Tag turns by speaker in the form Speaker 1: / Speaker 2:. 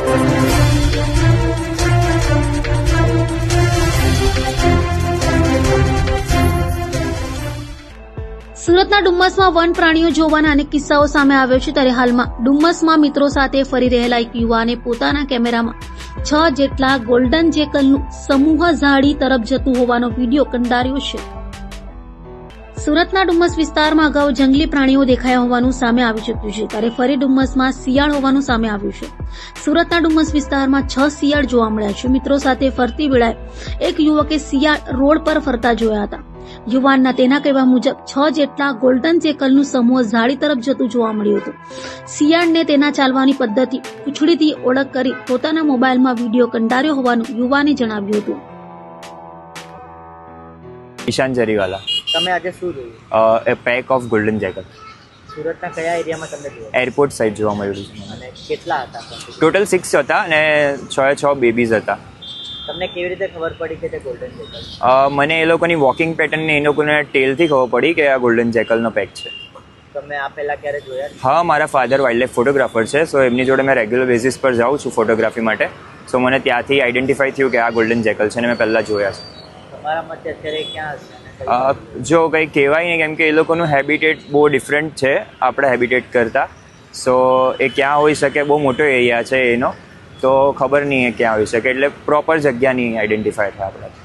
Speaker 1: સુરતના ડુમ્મસમાં વન પ્રાણીઓ જોવાના અનેક કિસ્સાઓ સામે આવ્યો છે, ત્યારે હાલમાં ડુમ્મસમાં મિત્રો સાથે ફરી રહેલા એક યુવાને પોતાના કેમેરામાં 6 જેટલા ગોલ્ડન જેકલનું સમૂહ ઝાડી તરફ જતું હોવાનો વિડીયો કંડાર્યો છે. સુરતના ડુમ્મસ વિસ્તારમાં અગાઉ જંગલી પ્રાણીઓ દેખાયા હોવાનું સામે આવી ચૂક્યું છે, ત્યારે ફરી ડુમ્મસમાં શિયાળ હોવાનું સામે આવ્યું છે. સુરતના ડુમ્મસ વિસ્તારમાં 6 શિયાળ જોવા મળ્યા છે. મિત્રો સાથે ફરતી વેળાએ એક યુવકે શિયાળ રોડ પર ફરતા જોયા હતા. યુવાનના તેના કહેવા મુજબ 6 જેટલા ગોલ્ડન જેકલનું સમૂહ ઝાડી તરફ જતું જોવા મળ્યું હતું. શિયાળને તેના ચાલવાની પદ્ધતિ પૂંછડીથી ઓળખ કરી પોતાના મોબાઈલમાં વિડીયો કંડાર્યો હોવાનું યુવાને જણાવ્યું હતું.
Speaker 2: ઈશાન જરીવાલા.
Speaker 3: તમે આજે શું જોયું?
Speaker 2: A pack of golden jackal
Speaker 3: સુરતના કયા એરિયામાં તમને જોયું?
Speaker 2: એરપોર્ટ સાઈડ જોવા મળ્યું છે.
Speaker 3: અને કેટલા હતા?
Speaker 2: ટોટલ 6 હતા અને 6 બેબીઝ હતા.
Speaker 3: તમને કેવી રીતે ખબર પડી કે તે ગોલ્ડન જેકલ?
Speaker 2: મને એ લોકોની વોકિંગ પેટર્ન ને એ લોકોને ટેલથી ખબર પડી કે આ ગોલ્ડન જેકલનો પેક છે.
Speaker 3: તમે આ પહેલા ક્યારે જોયા?
Speaker 2: હા, મારા ફાધર વાઇલ્ડલાઇફ ફોટોગ્રાફર છે, સો એમની જોડે મેં રેગ્યુલર બેઝિસ પર જાઉં છું ફોટોગ્રાફી માટે. સો મને ત્યાંથી આઈડેન્ટિફાઈ થયું કે આ ગોલ્ડન જેકલ છે અને મેં પહેલાં જોયા છે.
Speaker 3: તમારા મતે અત્યારે ક્યાં હશે?
Speaker 2: જો કંઈ કહેવાય નહીં, કેમ કે એ લોકોનું હેબિટેટ બહુ ડિફરન્ટ છે આપણા હેબિટેટ કરતાં. સો એ ક્યાં હોઈ શકે, બહુ મોટો એરિયા છે એનો, તો ખબર નહીં એ ક્યાં હોઈ શકે, એટલે પ્રોપર જગ્યા નહીં આઈડેન્ટિફાય થાય આપણે.